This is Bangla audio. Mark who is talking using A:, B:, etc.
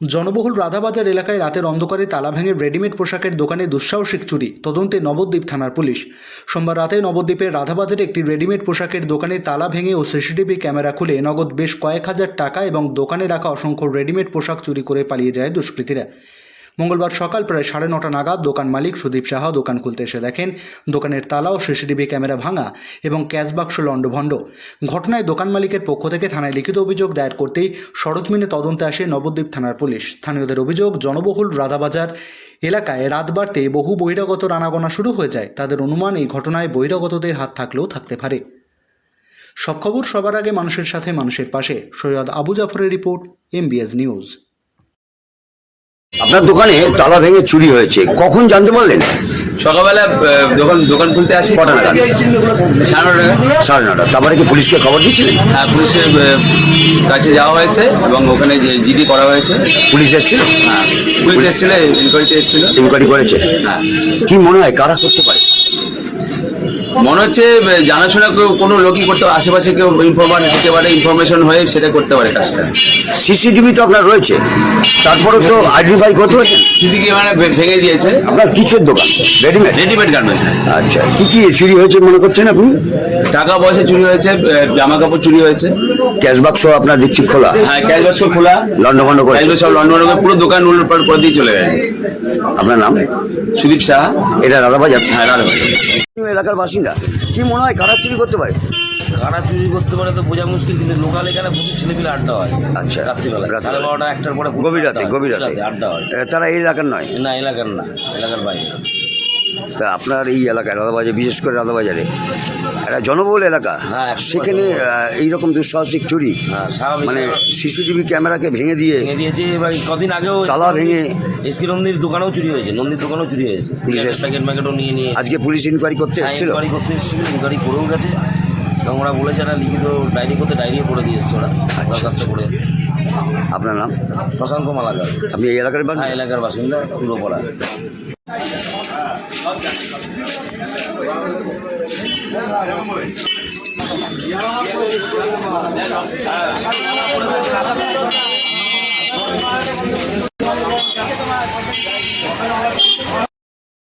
A: জনবহুল রাধাবাজার এলাকায় রাতের অন্ধকারে তালা ভেঙে রেডিমেড পোশাকের দোকানে দুঃসাহসিক চুরি, তদন্তে নবদ্বীপ থানার পুলিশ। সোমবার রাতে নবদ্বীপের রাধাবাজারে একটি রেডিমেড পোশাকের দোকানে তালা ভেঙে ও সিসিটিভি ক্যামেরা খুলে নগদ বেশ কয়েক হাজার টাকা এবং দোকানে রাখা অসংখ্য রেডিমেড পোশাক চুরি করে পালিয়ে যায় দুষ্কৃতীরা। মঙ্গলবার সকাল প্রায় 9:30 নাগাদ দোকান মালিক সুদীপ সাহা দোকান খুলতে এসে দেখেন দোকানের তালা ও সিসিটিভি ক্যামেরা ভাঙা এবং ক্যাশ বাক্স লণ্ডভণ্ড। ঘটনায় দোকান মালিকের পক্ষ থেকে থানায় লিখিত অভিযোগ দায়ের করতেই সরেজমিনে তদন্তে আসে নবদ্বীপ থানার পুলিশ। স্থানীয়দের অভিযোগ, জনবহুল রাধাবাজার এলাকায় রাত বাড়তে বহু বহিরাগত আনাগোনা শুরু হয়ে যায়। তাদের অনুমান এই ঘটনায় বহিরাগতদের হাত থাকলেও থাকতে পারে। সব খবর সবার আগে মানুষের সাথে, মানুষের পাশে। সৈয়দ আবু জাফরের রিপোর্ট, MBS নিউজ।
B: আপনার দোকানে তালা ভেঙে চুরি হয়েছে, কখন জানতে পারলেন?
C: সকালবেলা দোকান খুলতে আসি।
B: কটা নাগাদ? 9:30। তারপরে কি পুলিশকে খবর দিচ্ছিলেন?
C: হ্যাঁ, পুলিশের কাছে যাওয়া হয়েছে এবং ওখানে যে জিডি করা হয়েছে।
B: পুলিশ এসেছিল?
C: হ্যাঁ, পুলিশ এসেছিল, ইনকোয়ারিতে এসেছিল।
B: ইনকোয়ারি করেছে?
C: হ্যাঁ।
B: কি মনে হয় কারা করতে পারে?
C: মনে হচ্ছে জানাশোনা কোনো লোকই করতে পারে, আশেপাশে কেউ ইনফরমার দিতে পারে, ইনফরমেশন হয়ে সেটা করতে পারে কাজটা।
B: সিসিটিভি তো আপনার রয়েছে, তারপরে তো আইডেন্টিফাই করতে হয়েছে।
C: সিসিটিভি মানে ভেঙে দিয়েছে।
B: আপনার কিসের দোকান?
C: Readymade garments.
B: আচ্ছা, কি কি চুরি হয়েছে মনে করছেন আপনি?
C: টাকা পয়সা চুরি হয়েছে, জামা কাপড় চুরি হয়েছে।
B: ক্যাশ বাক্স আপনার দেখছি খোলা?
C: হ্যাঁ, ক্যাশ বাক্স খোলা,
B: লন্ডভন্ড করে
C: সব লন্ডন করে পুরো দোকান উল্টপাল্ট করে দিয়ে চলে গেছে।
B: আপনার নাম?
C: সুদীপ সাহা।
B: এটা রাধাবাজার?
C: হ্যাঁ, রাধাবাজার
B: এলাকার বাসিন্দা। কি মনে হয় কারা চুরি করতে পারে?
D: কারা চুরি করতে পারে তো বোঝা মুশকিল, কিন্তু লোকাল এখানে প্রচুর ছেলেপিলে আড্ডা হয়।
B: আচ্ছা,
D: রাত্রিবেলা 12:30 1টার পরে
B: গভীর রাতে
D: আড্ডা হয়।
B: তারা এই এলাকার নয়?
D: না, এলাকার না, এলাকার বাইরে।
B: তা আপনার এই এলাকায় রাধাবাজার, বিশেষ করে রাধাবাজারে একটা জনবহুল এলাকা,
D: হ্যাঁ, একদম
B: সেখানে এইরকম দুঃসাহসিক চুরি,
D: হ্যাঁ, স্বাভাবিক।
B: মানে সিসিটিভি ক্যামেরাকে ভেঙে দিয়ে
D: ভেঙে দিয়েছে। এবার কদিন আগেও
B: তালা ভেঙে
D: এসকে নন্দীর দোকানেও চুরি হয়েছে, নন্দীর দোকানেও চুরি হয়েছে।
B: পুলিশের
D: প্যাকেটও নিয়ে
B: আজকে পুলিশ ইনকোয়ারি করতে এসেছিল?
D: ইনকোয়ারি করতে এসেছিল, ইনকোয়ারি করেও গেছে এবং ওরা বলেছে একটা লিখিত ডায়েরি করতে, ডায়েরিও করে দিয়ে এসছে ওরা দরখাস্ত করে।
B: আপনার নাম?
D: শশাঙ্ক মালাকার।
B: আপনি এই এলাকার বাসিন্দা?
D: হ্যাঁ, এলাকার বাসিন্দা, পূর্বপাড়া।